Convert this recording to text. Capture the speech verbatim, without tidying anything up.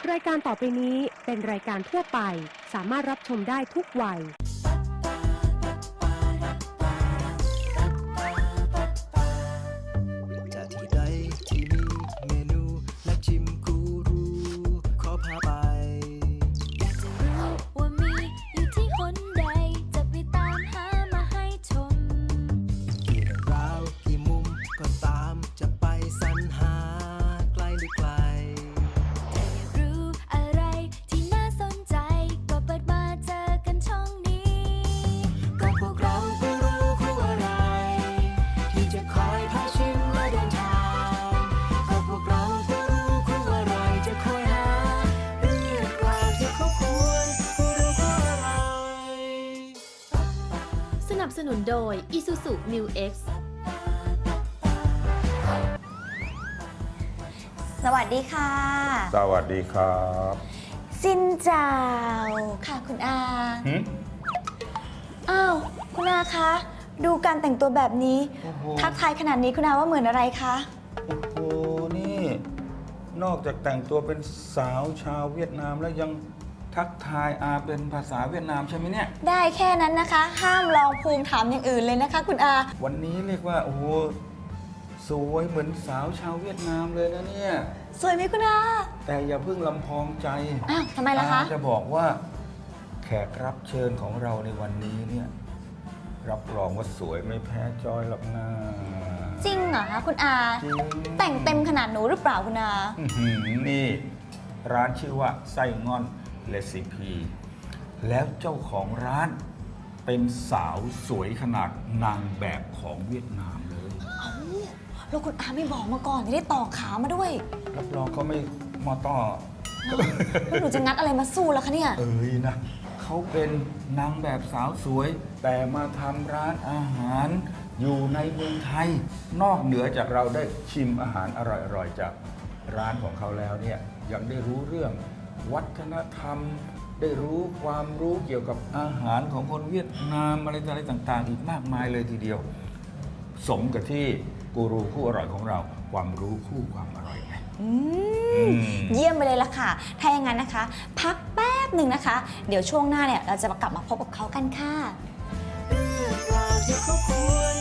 รายการต่อไปนี้เป็นรายการทั่วไปสามารถรับชมได้ทุกวัยจะที่ใดที่มีเมนูและชิมกูรูขอพาไปอยากจะรู้ว่ามีอยู่ที่คนใดจะไปตามหามาให้ชมกี่เรื่องราวกี่มุมก็ตามจะไปสรรหาไกลหรือไกลถ้าอยากรู้อะไรที่น่าสนใจก็เปิดมาเจอกันช่องนี้ก็พวกเรากูรูคู่อะไรที่จะคอยพาชิมและเดินทางก็พวกเรากูรูคู่อะไรจะคอยหาเรื่องราวที่เขาควรกูรูคู่อะไรสนับสนุนโดย Isuzu Mu X สวัสดีค่ะสวัสดีครับซินเจ้าค่ะคุณอาหึอ้าวคุณอาคะดูการแต่งตัวแบบนี้โอ้โหทักทายขนาดนี้คุณอาว่าเหมือนอะไรคะโอ้โห นี่ นอกจากแต่งตัวเป็นสาวชาวเวียดนามแล้วยังทักทายอาเป็นภาษาเวียดนามใช่ไหมเนี่ยได้แค่นั้นนะคะ ห้ามลองภูมิถามอย่างอื่นเลยนะคะคุณอาวันนี้เรียกว่า โอ้โห สวยเหมือนสาวชาวเวียดนามเลยนะเนี่ยสวยไหมคุณอาแต่อย่าเพิ่งลำพองใจอ้าวทำไมล่ะคะอาจะบอกว่าแขกรับเชิญของเราในวันนี้เนี่ย รับรองว่าสวยไม่แพ้จอยหรอกนะจริงเหรอคะคุณอาจริงแต่งเต็มขนาดหนูหรือเปล่าคุณอาอื้อหือนี่ ร้านชื่อว่าไส้ง่อนเรซิปี แล้วเจ้าของร้านเป็นสาวสวยขนาดนางแบบของเวียดนามเลยแล้วคุณอาไม่บอกมาก่อนจะได้ต่อขามาด้วยรับรองเขาไม่มอต้อแล้วหนูจะงัดอะไรมาสู้แล้วคะเนี่ยเอ้ยนะเขาเป็นนางแบบสาวสวย แต่มาทำร้านอาหาร อยู่ในเมืองไทย นอกเหนือจากเราได้ชิมอาหารอร่อยๆจากร้านของเขาแล้วเนี่ยยังได้รู้เรื่องวัฒนธรรม ได้รู้ความรู้เกี่ยวกับอาหารของคนเวียดนามอะไรอะไรต่างๆ อีกมากมายเลยทีเดียว สมกับที่กูรูคู่อร่อยของเรา ความรู้คู่ความอร่อยไงอืมเยี่ยมไปเลยล่ะค่ะ ถ้าอย่างนั้นนะคะ พักแป๊บหนึ่งนะคะ เดี๋ยวช่วงหน้าเนี่ยเราจะมากลับมาพบกับเขากันค่ะเรื่องราวที่เขาควร